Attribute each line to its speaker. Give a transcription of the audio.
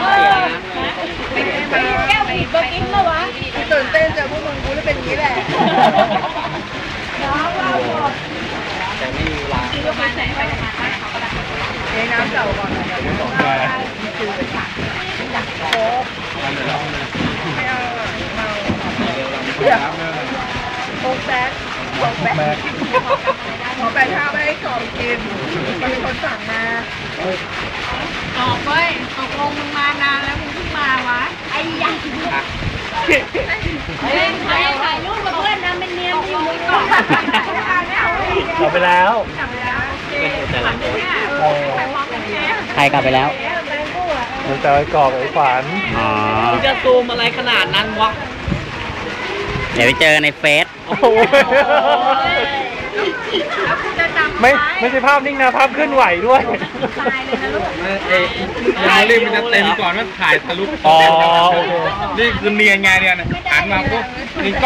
Speaker 1: แก้วผีเบอร์กิ้งแล้ววะตื่นเต้นเจอพวกมึงกูจะเป็นอย่างนี้แหละน้องเราหมดแต่ไม่มีร้านที่ก็ไปไหนไปมาใต้เขาก็ได้ในน้ำเก่าก่อนมีคือเป็นผักอยากโค้กไม่เอาเมาโค้กแบ๊กโค้กแบ๊กขอแปะข้าวไม่ให้กรอบกินมันเป็นคนสั่งมาตอบเว้ยตกลงมึงมานานแล้วมึงเพิ่งมาวะไอ้ยักษ์เล่นถ่ายรูปกับเพื่อนนะเป็นเนียมอยู่ก่อน
Speaker 2: กลับไปแล้ว
Speaker 3: ใครกลับไปแล้ว
Speaker 2: มันจะกรอบไอ้ฝัน
Speaker 4: มึงจะซูมอะไรขนาดนั้นวะ
Speaker 3: เดี๋ยวไปเจอในเฟซ
Speaker 2: ไม่ใช่ภาพนิ่งนะภาพเคลื่อนไหวด้วย
Speaker 5: รีบมันจะเต็มก่อนว่าถ่ายทะลุนี่คือเนียนไงเนี่ยหันมาปุ๊บนี่